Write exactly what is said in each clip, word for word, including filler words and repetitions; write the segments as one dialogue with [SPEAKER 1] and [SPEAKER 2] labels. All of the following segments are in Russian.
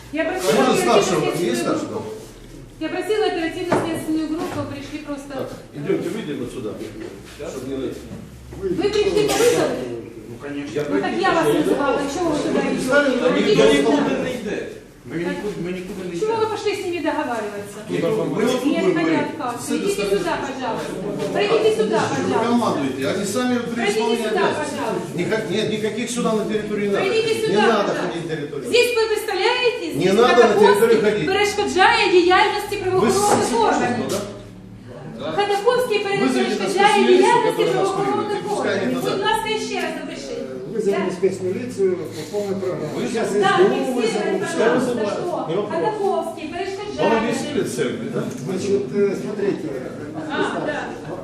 [SPEAKER 1] Я просила
[SPEAKER 2] Можно старшего? Есть
[SPEAKER 1] оперативно-следственную
[SPEAKER 2] старшего?
[SPEAKER 1] группу. Я просила оперативно-следственную группу, пришли просто...
[SPEAKER 2] Так, идемте, выйдем отсюда, чтобы не лезть.
[SPEAKER 1] Вы пришли по вызову?
[SPEAKER 3] Ну, конечно.
[SPEAKER 2] Я
[SPEAKER 1] Ну так я вас вызывала, чего вы туда
[SPEAKER 2] Они
[SPEAKER 1] идете?
[SPEAKER 2] никуда
[SPEAKER 3] не йде. Ми нікуди, ми нікуди не
[SPEAKER 1] Чего
[SPEAKER 3] йдемо.
[SPEAKER 1] вы пошли с ними договариваться?
[SPEAKER 2] Мы вот тут
[SPEAKER 1] Нет,
[SPEAKER 2] будем говорить.
[SPEAKER 1] понятно.
[SPEAKER 2] С этой
[SPEAKER 1] Идите
[SPEAKER 2] стороны.
[SPEAKER 1] сюда, пожалуйста. Пройдите сюда,
[SPEAKER 2] Вы
[SPEAKER 1] пожалуйста.
[SPEAKER 2] командуете, они сами при
[SPEAKER 1] Пройдите
[SPEAKER 2] исполнении
[SPEAKER 1] сюда,
[SPEAKER 2] обязанностей.
[SPEAKER 1] пожалуйста.
[SPEAKER 2] Никак- Нет, никаких сюда на территории не надо.
[SPEAKER 1] Пройдите
[SPEAKER 2] Не
[SPEAKER 1] сюда,
[SPEAKER 2] надо
[SPEAKER 1] пожалуйста.
[SPEAKER 2] ходить на территорию.
[SPEAKER 1] Здесь ви представляєте,
[SPEAKER 2] Не
[SPEAKER 1] здесь
[SPEAKER 2] надо на
[SPEAKER 1] Ходаковський
[SPEAKER 2] територію ходити.
[SPEAKER 1] перешкоджає діяльності
[SPEAKER 2] Вы
[SPEAKER 1] правоохоронних
[SPEAKER 2] с-
[SPEAKER 1] органів.
[SPEAKER 2] да?
[SPEAKER 1] Ходаковський
[SPEAKER 2] Вызовите нас
[SPEAKER 1] перешкоджає
[SPEAKER 2] спецмилицию,
[SPEAKER 1] діяльності
[SPEAKER 2] которая нас
[SPEAKER 1] правоохоронних
[SPEAKER 2] курирует, и пускай они
[SPEAKER 1] органів.
[SPEAKER 2] туда.
[SPEAKER 1] Будь ласка, ще раз напишіть.
[SPEAKER 4] Вызовем спецмилицию по полной программе.
[SPEAKER 2] Вы
[SPEAKER 4] Сейчас
[SPEAKER 2] же-
[SPEAKER 1] Да,
[SPEAKER 4] СБУ
[SPEAKER 1] фіксуйте,
[SPEAKER 4] вызовем.
[SPEAKER 2] пускай
[SPEAKER 1] пожалуйста,
[SPEAKER 2] вызывают.
[SPEAKER 1] що
[SPEAKER 2] Не вопрос.
[SPEAKER 1] Ходаковський
[SPEAKER 2] Он
[SPEAKER 1] перешкоджає.
[SPEAKER 2] объяснили церкви, да?
[SPEAKER 4] Значит, э, смотрите.
[SPEAKER 1] А, да.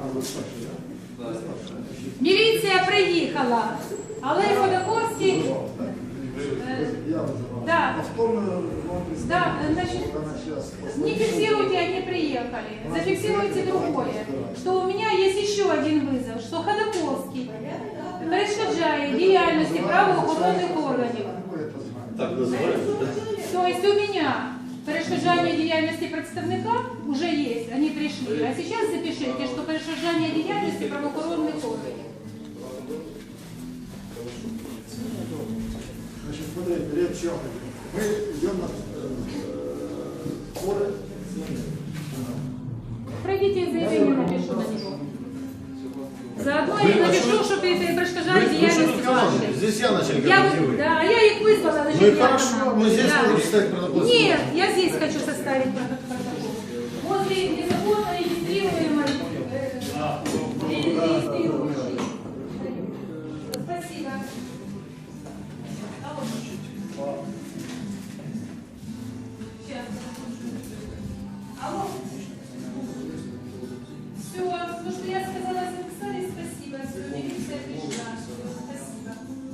[SPEAKER 1] Міліція приїхала, але Ходаковський... е,
[SPEAKER 4] Я вызывал.
[SPEAKER 1] Да.
[SPEAKER 4] Повторно вам
[SPEAKER 1] Да,
[SPEAKER 4] представляю.
[SPEAKER 1] значит,
[SPEAKER 4] Она сейчас
[SPEAKER 1] не фиксируйте, они приехали. Зафиксируйте другое. Что у меня есть еще один вызов, что Ходаковский перешкоджає діяльності правоохоронних органів.
[SPEAKER 4] Вы это знаете.
[SPEAKER 2] Так называется, да?
[SPEAKER 1] То есть у меня перешкоджание деятельности представника уже есть, они пришли. А сейчас запишите, что перешкоджание деятельности правоохоронных органов.
[SPEAKER 4] Значит, смотрите, речь о чем идет. Мы идем на э, споры.
[SPEAKER 1] Пройдите заявление, напишу на него. Заодно
[SPEAKER 2] Вы-
[SPEAKER 1] я
[SPEAKER 2] а
[SPEAKER 1] напишу,
[SPEAKER 2] что-
[SPEAKER 1] что перешкоджали
[SPEAKER 2] Вы- вы что
[SPEAKER 1] деятельности
[SPEAKER 2] тут командуете?
[SPEAKER 1] вашей.
[SPEAKER 2] Здесь я начальник,
[SPEAKER 1] Я,
[SPEAKER 2] а
[SPEAKER 1] вот-
[SPEAKER 2] не вы.
[SPEAKER 1] да, а я их вызвала, значит,
[SPEAKER 2] Ну и
[SPEAKER 1] я
[SPEAKER 2] хорошо,
[SPEAKER 1] командую,
[SPEAKER 2] мы здесь
[SPEAKER 1] да.
[SPEAKER 2] будем читать протокол.
[SPEAKER 1] Нет, я здесь хочу составить протокол. Возле незаконно регистрируемой э, регистрирующей. Спасибо. Алло. Сейчас. Алло. Все, то, что я сказала, записали, спасибо. Все, милиция пришла. Спасибо.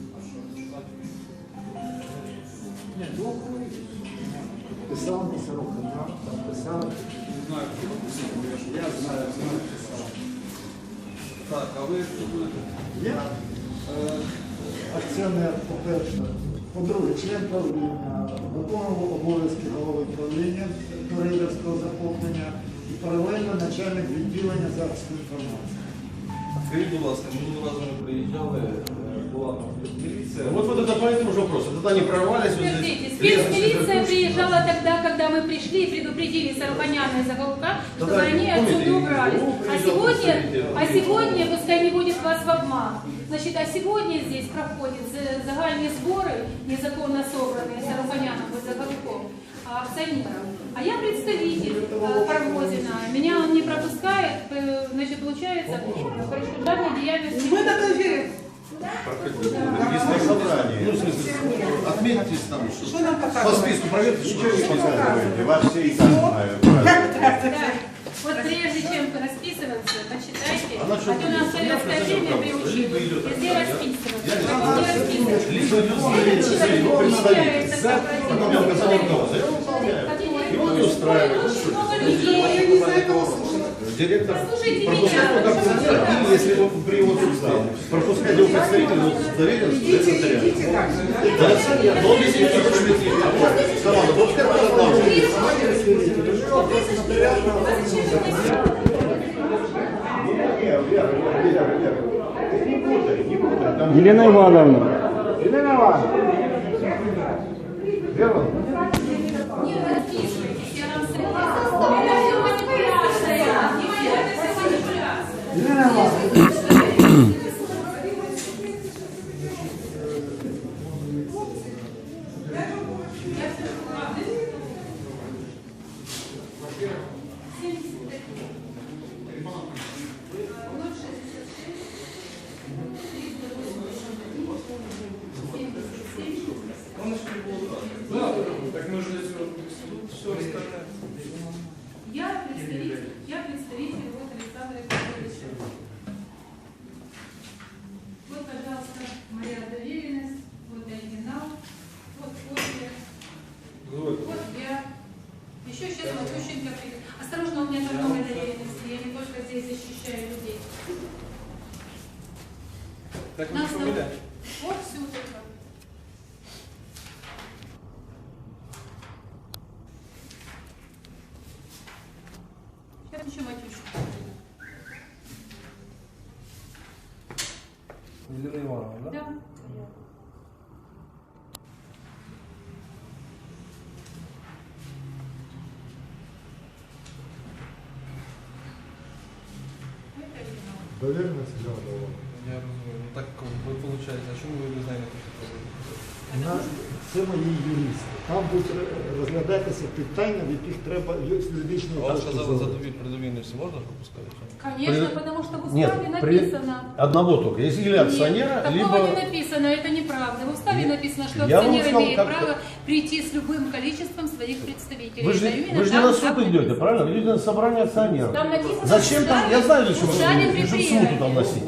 [SPEAKER 4] Писал на Сорокина, писал.
[SPEAKER 3] Знаю, хто написав, я ж-
[SPEAKER 4] Я знаю, знаю, писал.
[SPEAKER 3] Так, а ви хто будете?
[SPEAKER 4] Я е, акціонер, по-перше, по-друге, член правління, виконував обов'язки голови правління до рейдерського захоплення і паралельно начальник відділення захисту інформації.
[SPEAKER 3] Скажіть, будь ласка, минулого разу ми приїжджали, е, була там міліція.
[SPEAKER 2] Вот, вот это по этому же вопросу. Тогда они прорвались. вот здесь.
[SPEAKER 1] Подождите,
[SPEAKER 2] Резко
[SPEAKER 1] спецмилиция
[SPEAKER 2] себя
[SPEAKER 1] приезжала тогда, когда мы пришли и предупредили Сарупаняна и Заголовка, чтобы
[SPEAKER 2] Тогда,
[SPEAKER 1] они
[SPEAKER 2] помните,
[SPEAKER 1] отсюда
[SPEAKER 2] и
[SPEAKER 1] убрались.
[SPEAKER 2] ГУ
[SPEAKER 1] А
[SPEAKER 2] приезжал,
[SPEAKER 1] сегодня,
[SPEAKER 2] представитель.
[SPEAKER 1] а сегодня, пускай не будет вас в обман, значит, а сегодня здесь проходят за- загальные сборы, незаконно собранные Сарупаняном и Заголовком, акционеров. А я представитель э, Парвозина, меня он не пропускает, э, значит, получается, перешкоджание деятельности.
[SPEAKER 5] Мы на доверие.
[SPEAKER 2] Если собрание. Ну, в смысле, отметьтесь там, что
[SPEAKER 5] Что нам
[SPEAKER 2] по
[SPEAKER 5] показывает?
[SPEAKER 2] списку проверьте, что
[SPEAKER 6] Ничего не
[SPEAKER 2] не
[SPEAKER 6] показываете, вас все и так знают. правильно.
[SPEAKER 1] Да. Вот прежде чем расписываться, почитайте.
[SPEAKER 2] Она
[SPEAKER 1] А
[SPEAKER 2] что
[SPEAKER 1] то нас в
[SPEAKER 2] будет?
[SPEAKER 1] советское
[SPEAKER 2] Я
[SPEAKER 1] время
[SPEAKER 2] просто
[SPEAKER 1] приучили
[SPEAKER 2] либо идет
[SPEAKER 1] везде
[SPEAKER 2] так,
[SPEAKER 1] расписываться.
[SPEAKER 2] я не
[SPEAKER 1] Везде
[SPEAKER 2] знаю.
[SPEAKER 1] расписываться.
[SPEAKER 2] Либо идет
[SPEAKER 1] Этот
[SPEAKER 2] смотрите,
[SPEAKER 1] человек
[SPEAKER 2] его
[SPEAKER 1] не
[SPEAKER 2] представитель.
[SPEAKER 1] является
[SPEAKER 2] За, потом я указал руководство.
[SPEAKER 1] корпоративным.
[SPEAKER 2] Его не устраивает.
[SPEAKER 1] Очень много
[SPEAKER 5] Я
[SPEAKER 1] людей.
[SPEAKER 5] не знаю, кого слушать.
[SPEAKER 2] Директор
[SPEAKER 1] Послушайте
[SPEAKER 2] пропускает
[SPEAKER 1] меня.
[SPEAKER 2] как функционер, или если его при его отсутствии пропускать его представителя с доверенностью, это
[SPEAKER 5] Идите,
[SPEAKER 2] нотариат.
[SPEAKER 5] идите так же, да?
[SPEAKER 2] Да, но он если не хочет идти, команда, пускай пожалуйста.
[SPEAKER 1] А зачем вы мне сказали?
[SPEAKER 6] Не, Вера, Вера, Вера, Вера. Ты не путай, не путай. Там
[SPEAKER 7] Елена Ивановна.
[SPEAKER 4] Ірина Івановна,
[SPEAKER 6] Вера,
[SPEAKER 1] Не расписывайтесь, я вам советую. Это все манипуляция. Понимаете, это все манипуляция.
[SPEAKER 4] Ірина Івановна.
[SPEAKER 3] Так ми ж для цього все остальне.
[SPEAKER 1] Я представитель, я представитель вот Александра Петровича. Вот, пожалуйста, моя доверенность, вот оригинал, вот копия, вот я. Еще сейчас Матющенко придет. Осторожно, у меня там много доверенности, я не только здесь защищаю людей.
[SPEAKER 3] Так ви
[SPEAKER 1] Нас там-
[SPEAKER 3] фамілія?
[SPEAKER 1] Вот всю только. Еще Матюшка.
[SPEAKER 3] Елена Ивановна, да?
[SPEAKER 1] Да.
[SPEAKER 4] Довіреність для
[SPEAKER 3] Я розумію. Ну так ви виходить, а чому ви не знаєте, що це робити?
[SPEAKER 4] На це мої юристи. Там будуть розглядатися питання, в яких треба юридичної
[SPEAKER 3] Вам
[SPEAKER 4] точки
[SPEAKER 3] сказали
[SPEAKER 4] зору.
[SPEAKER 3] за предовірність можна пропускати?
[SPEAKER 1] Конечно,
[SPEAKER 2] При-
[SPEAKER 1] потому что в
[SPEAKER 2] Нет,
[SPEAKER 1] уставе
[SPEAKER 2] при-
[SPEAKER 1] написано.
[SPEAKER 2] Одного только. Если или акционера,
[SPEAKER 1] Нет,
[SPEAKER 2] либо...
[SPEAKER 1] такого не написано, это неправда. В уставе написано, что
[SPEAKER 2] Я вам
[SPEAKER 1] акционер
[SPEAKER 2] сказал,
[SPEAKER 1] имеет
[SPEAKER 2] как-
[SPEAKER 1] право прийти с любым количеством своих представителей.
[SPEAKER 2] Вы же,
[SPEAKER 1] Это именно
[SPEAKER 2] вы же
[SPEAKER 1] так,
[SPEAKER 2] не на
[SPEAKER 1] как
[SPEAKER 2] суд
[SPEAKER 1] написано.
[SPEAKER 2] идете, правильно? Вы идете на собрание акционеров.
[SPEAKER 1] Там написано,
[SPEAKER 2] Зачем
[SPEAKER 1] в
[SPEAKER 2] там?
[SPEAKER 1] уставе-
[SPEAKER 2] Я знаю, для чего
[SPEAKER 1] в
[SPEAKER 2] вы
[SPEAKER 1] уставе
[SPEAKER 2] идете, чтобы
[SPEAKER 1] предприятия.
[SPEAKER 2] суду там носить.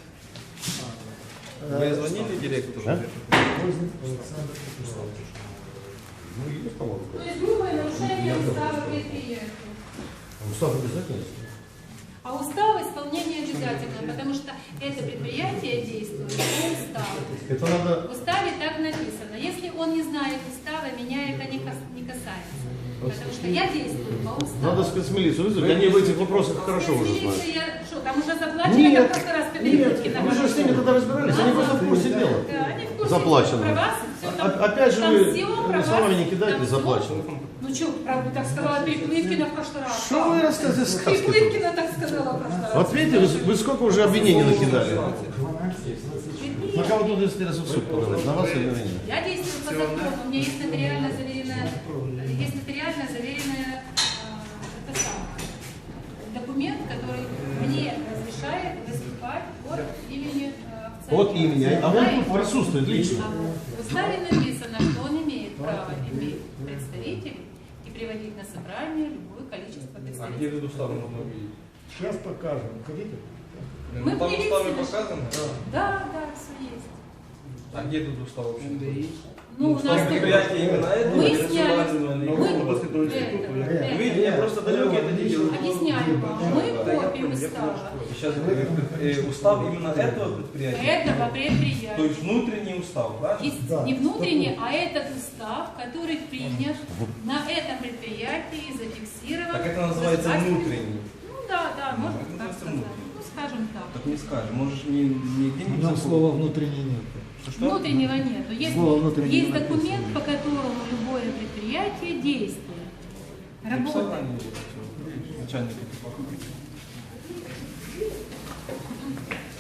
[SPEAKER 3] Ви дзвонили директору?
[SPEAKER 2] А?
[SPEAKER 4] Возник Олександр Петрович.
[SPEAKER 2] Ну, есть, по-моему.
[SPEAKER 1] То есть грубое нарушение устава предприятия.
[SPEAKER 2] Устав обязательно?
[SPEAKER 1] А устав исполнение обязательно, потому что это предприятие действует по уставу.
[SPEAKER 2] Это надо...
[SPEAKER 1] В уставе так написано. Если он не знает устава, меня это не кас- не касается. Потому что я действую по уставу.
[SPEAKER 2] Надо спецмилицию вызвать. Они в этих вопросах хорошо уже знают.
[SPEAKER 1] Спецмилиция, я- Что, там уже заплачено, как в прошлый раз Петрикуткина?
[SPEAKER 2] Вы же с ними тогда разбирались, они просто в курсе дела.
[SPEAKER 1] Да, они в курсе,
[SPEAKER 2] Заплачено.
[SPEAKER 1] про вас, всё там-
[SPEAKER 2] О- Опять же
[SPEAKER 1] там
[SPEAKER 2] вы
[SPEAKER 1] всё про
[SPEAKER 2] словами
[SPEAKER 1] вас,
[SPEAKER 2] не кидайте,
[SPEAKER 1] там всё.
[SPEAKER 2] заплачено.
[SPEAKER 1] Ну что, правда, так сказала Петрикуткина в прошлый раз.
[SPEAKER 2] Что вы рассказываете сказки тут?
[SPEAKER 1] Петрикуткина так сказала в прошлый раз.
[SPEAKER 2] Вот видите, вы, вы сколько уже обвинений накидали?
[SPEAKER 4] дванадцять, двадцять.
[SPEAKER 2] На кого тут интересно в суд подавать? На вас или на меня?
[SPEAKER 1] Я действую по закону, у меня есть нотариально заверенная, есть нотариально заверенная э, это самое, документ, который мне разрешает выступать от имени э, акционера.
[SPEAKER 2] От имени. А он
[SPEAKER 1] Знаете?
[SPEAKER 2] тут присутствует лично.
[SPEAKER 1] А в уставе написано, что он имеет право иметь представителей и приводить на собрание любое количество
[SPEAKER 3] А где
[SPEAKER 1] представителей.
[SPEAKER 3] этот устав можно увидеть?
[SPEAKER 4] Сейчас покажем. Хотите?
[SPEAKER 1] Мы
[SPEAKER 3] Ну, там в
[SPEAKER 1] в
[SPEAKER 3] уставе
[SPEAKER 1] милиции
[SPEAKER 3] показано?
[SPEAKER 1] Да, да, все есть.
[SPEAKER 3] А где этот устав вообще?
[SPEAKER 1] Ну, у нас тут-
[SPEAKER 3] Предприятие именно это?
[SPEAKER 1] Мы
[SPEAKER 3] или
[SPEAKER 1] сняли,
[SPEAKER 3] национальное?
[SPEAKER 1] мы,
[SPEAKER 2] Областного
[SPEAKER 1] это,
[SPEAKER 2] института,
[SPEAKER 1] это,
[SPEAKER 3] Видите, я просто далекий от этих дел.
[SPEAKER 1] объясняю вам, мы копию устава
[SPEAKER 3] Сейчас э, устав именно этого предприятия?
[SPEAKER 1] этого
[SPEAKER 3] То
[SPEAKER 1] предприятия.
[SPEAKER 3] есть внутренний устав, правильно?
[SPEAKER 1] Есть
[SPEAKER 4] Да.
[SPEAKER 1] не внутренний, а этот устав, который принят на этом предприятии и зафиксирован.
[SPEAKER 3] Так это называется
[SPEAKER 1] государственным-
[SPEAKER 3] внутренний.
[SPEAKER 1] Ну да, да,
[SPEAKER 3] Ну,
[SPEAKER 1] можно
[SPEAKER 3] это
[SPEAKER 1] так
[SPEAKER 3] называется
[SPEAKER 1] сказать.
[SPEAKER 3] внутренний.
[SPEAKER 1] Ну, скажем так.
[SPEAKER 3] Так не скажем, можешь не, не где-нибудь
[SPEAKER 4] Нам
[SPEAKER 3] закон-
[SPEAKER 4] слова внутренний нет.
[SPEAKER 3] Что, что?
[SPEAKER 1] Внутреннего нету. Есть,
[SPEAKER 4] Слова внутреннего
[SPEAKER 1] есть
[SPEAKER 4] не
[SPEAKER 1] документ,
[SPEAKER 4] написано.
[SPEAKER 1] по которому любое предприятие действует.
[SPEAKER 3] Написал
[SPEAKER 1] Работает.
[SPEAKER 3] они, начальник.